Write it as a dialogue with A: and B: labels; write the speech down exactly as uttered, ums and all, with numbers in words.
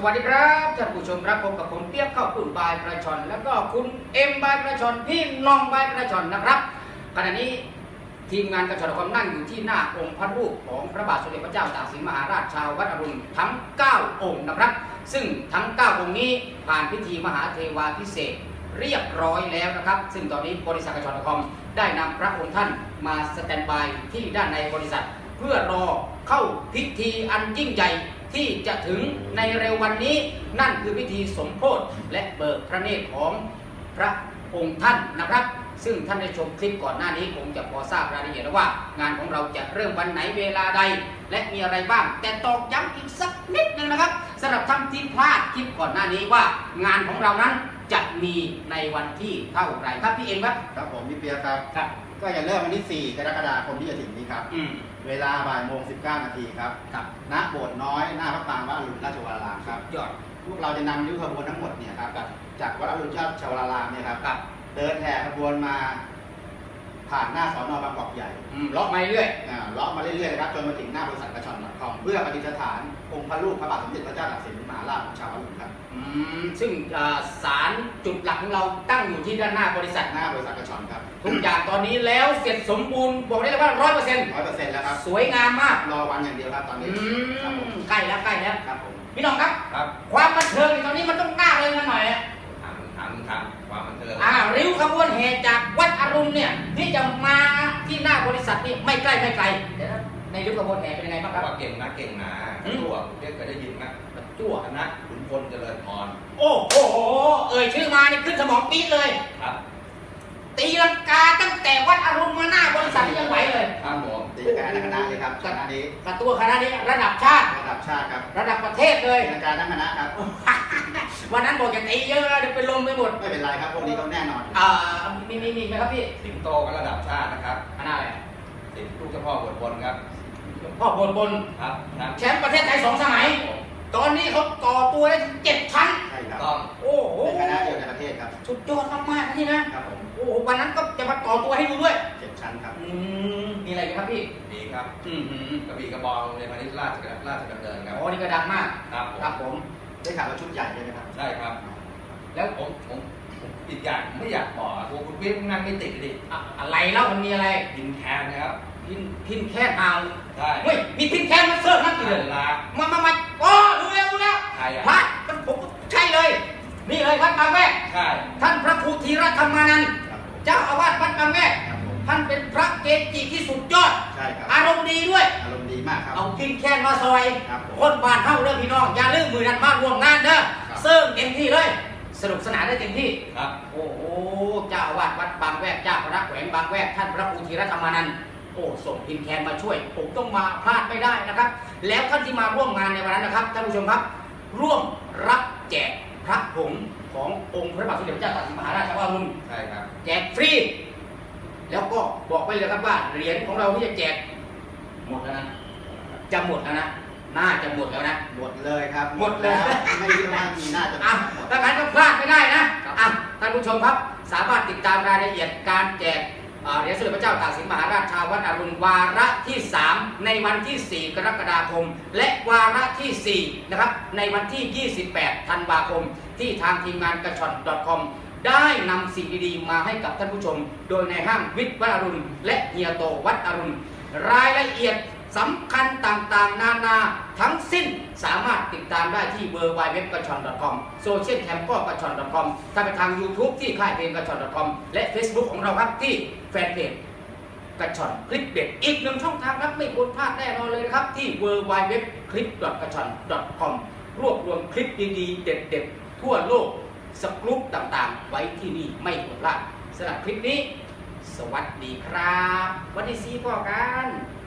A: สวัสดีครับท่านผู้ชมครับพบกับผมเปียกข้าวปุ่นบายกระชอนแล้วก็คุณเอ็มบายกระชอนพี่น้องบายกระชอนนะครับขณะนี้ทีมงานกระชอนความนั่งอยู่ที่หน้าองค์พระรูปของพระบาทสมเด็จพระเจ้าตากสินมหาราชชาววัดอรุณทั้งเก้าองค์นะครับซึ่งทั้งเก้าองค์นี้ผ่านพิธีมหาเทวาพิเศษเรียบร้อยแล้วนะครับซึ่งตอนนี้บริษัทกระชอนคอมได้นำพระองค์ท่านมาสแตนบายที่ด้านในบริษัทเพื่อรอเข้าพิธีอันยิ่งใหญ่ที่จะถึงในเร็ววันนี้นั่นคือพิธีสมโภชและเบิกพระเนตรของพระองค์ท่านนะครับซึ่งท่านได้ชมคลิปก่อนหน้านี้คงจะพอทราบรายละเอียดแล้วว่างานของเราจะเริ่มวันไหนเวลาใดและมีอะไรบ้างแต่ตอกย้ำอีกสักนิดนึงนะครับสำหรับท่านที่พลาดคลิปก่อนหน้านี้ว่างานของเรานั้นจะมีในวันที่เท่าไหร่ครับพี่เอ็มครับ
B: ครับผมพี่เปียครับ
A: ครับ
B: ก็จะเริ่มวันที่สี่กรกฎาคมที่จะถึงนี้ครับเวลาบ่ายโมงสิบเก้านาทีครับณโบสถ์น้อยหน้าพระปรางวัดอรุณราชวรารามครับ
A: ยอด
B: พวกเราจะนำริ้วขบวนทั้งหมดเนี่ยครับจากวัดอรุณราชวรารามเนี่ยครับเดินแห่ขบวนมาผ่านหน้าสอนอบางกอกใหญ่
A: เลาะมาเรื่อย
B: เลาะมาเรื่อยๆครับจนมาถึงหน้าบริษัทกระชอน .com เพื่อประดิษฐานองค์พระรูปพระบาทสมเด็จพระเจ้าตากสินมหาราชของชาวอรุณครับ
A: ซึ่งศาลจุดหลักของเราตั้งอยู่ที่ด้านหน้าบริษัท
B: หน้าบริษัทกระชอนครับ
A: ทุกอย่างตอนนี้แล้วเสร็จสมบูรณ์บอกได้เลยว่าร้อยเปอร์เซ็นต์
B: ร้อยเปอร์เซ็นต์แล้วครับ
A: สวยงามมาก
B: รอวันอย่างเดียวครับตอนนี้
A: ใกล้แล้วใกล้แล้ว
B: ครับผม
A: พี่น้องครับ
B: ครับ
A: ความบันเทิงตอนนี้มันต้องกล้าเลยกันหน่อย
B: ถามถามถามความบันเทิง
A: อ่าริ้วขบวนแห่จากวัดอรุณเนี่ยที่จะมาที่หน้าบริษัทนี่ไม่ใกล้ไม่ไกลเดี๋ยวในริ้วขบวนแห่เป็นยังไงบ้างครับ
C: ว่าเก่งนะเก่งนะจั่วเรียกเคยได้ยินไหม
A: จั่ว
C: นะขุนพลเจริญพร
A: โอ้โหเอ่ยชื่อมานี่ขึ้นสมองปี๊ดเลย
C: ครับ
A: ตีลังกาตั้งแต่วัดอรุณมาหน้าบริษัทยังไหวเลย
C: ครับผม
B: ตีลังกาทั้งคณะเลยครับคณะนี้
A: กับตัวคณะนี้ระดับชาติ
B: ระดับชาติครับ
A: ระดับประเทศเลย
B: ตีลังกาทั้งคณะครับ
A: วันนั้นบอกจะตีเยอะแล้วเดี๋ยวไปลงไปหมด
B: ไม่เป็นไรครับพวกนี้ต้องแน่นอน
A: อ่ามีมีมีไหมครับพี่
C: สิงโตก็ระดับชาตินะครับ
A: คณะอะไร
C: สิงลูกเจ้าพ่อบทบนครับ
A: พ่อบทบน
C: ครับ
A: แชมป์ประเทศไทยสองสมัยตอนนี้เขาต่อตัวได้ถึงเจ็ดชั้น
B: ใช่ครับ
C: ต้อง
A: โอ้โห
B: เป็นคณะเดียวในประเทศครับ
A: สุดยอดมากๆนี่นะครับ
B: ผม
A: โอ้โหวันนั้นก็จะมาต่อตัวให้ดูด้วย
B: เจ็ดชั้นครับ
A: อืมมีอะไรกันครับพี่
C: ดีครับ
A: อืม
C: กระบี่กระบองในพาณิชย์ราชราชดำเนินครับ
A: อ๋อนี่ก็ดังมาก
C: ครับ
A: ครับผม
B: ได้ข่าวว่าชุดใหญ่ใช่ไหมครับ
C: ใช่ครับแล้วผมผมติดอย่างไม่อยากบอกตัวคุณพี่นั่งไม่ติดดิ
A: อะไรเล่ามันมีอะไร
C: พินแคนนะครับ
A: พินพินแค่เอา
C: ใช่
A: เฮ้ยมีพินแค่มาเสิร์ฟนักกีฬามามามาโอ้ดูแล้วดูแล้ว
C: ใช่
A: พระผมใช่เลยนี่เลยวัดบางแวก
C: ใช่
A: ท่านพระครูธีรธรรมานันท์เจ้าอาวาสวัดบางแวกท่านเป็นพระเกจิที่สุดยอด
B: ใช่ครับ
A: อารมณ์ดีด้วย
B: อารมณ์ดีมากครับ
A: เอาพินแค่มาซอยคนบ้านเฮาเรื่องพี่น้องอย่าลืมมือนันมาร่วมงานเด้อเซิร์ฟเต็มที่เลยสนุกสนานได้เต็มที่
C: ครับ
A: โอ้โหเจ้าอาวาสวัดบางแวกเจ้าคณะแขวงบางแวกท่านพระครูธีรธรรมานันท์โอ้ส่งพินแคนมาช่วยผมต้องมาพลาดไม่ได้นะครับแล้วท่านที่มาร่วมงานในวันนั้นนะครับท่านผู้ชมครับร่วมรับแจกพระผงขององค์พระบาทสมเด็จพระเจ้าตากสินมหาราชชาวอรุณ
C: ใช่ครับ
A: แจกฟรีแล้วก็บอกไปเลยครับว่าเหรียญของเราที่จะแจกหมดแล้วนะจะหมดแล้วนะน่าจะหมดแล้วนะ
B: หมดเลยครับ
A: หมดแล้ว
B: ไม่คิดว่ามีน่าจะ
A: อ่ะถ้างั้นก็พลาดไม่ได้นะอ่ะท่านผู้ชมครับสามารถติดตามรายละเอียดการแจกเหรียญสมเด็จพระเจ้าตากสินมหาราชชาววัดอรุณวาระที่สามในวันที่สี่กรกฎาคมและวาระที่สี่นะครับในวันที่ยี่สิบแปดธันวาคมที่ทางทีมงานกระชอน .com ได้นำสิ่งดีๆมาให้กับท่านผู้ชมโดยในห้างวิทย์วัดอรุณและเฮียโตวัดอรุณรายละเอียดสำคัญต่างๆนานาทั้งสิ้นสามารถติดตามได้ที่ ดับเบิลยู ดับเบิลยู ดับเบิลยู ดอท กระชอน ดอท คอม โซเชียลแคมก็กระชอน ดอท คอม ถ้าไปทาง YouTube ที่ค่ายเพลงกระชอน ดอท คอม และ Facebook ของเราครับที่แฟนเพจกระชอนคลิปเด็ดอีกหนึ่งช่องทางครับไม่ควรพลาดแน่นอนเลยนะครับที่ ดับเบิลยู ดับเบิลยู ดับเบิลยู ดอท คลิป ดอท กระชอน ดอท คอม รวบรวมคลิปดีๆเด็ดๆทั่วโลกสกรูปต่างๆไว้ที่นี่ไม่ควรพลาดสำหรับคลิปนี้สวัสดีครับวันที่สี่พ่อกัน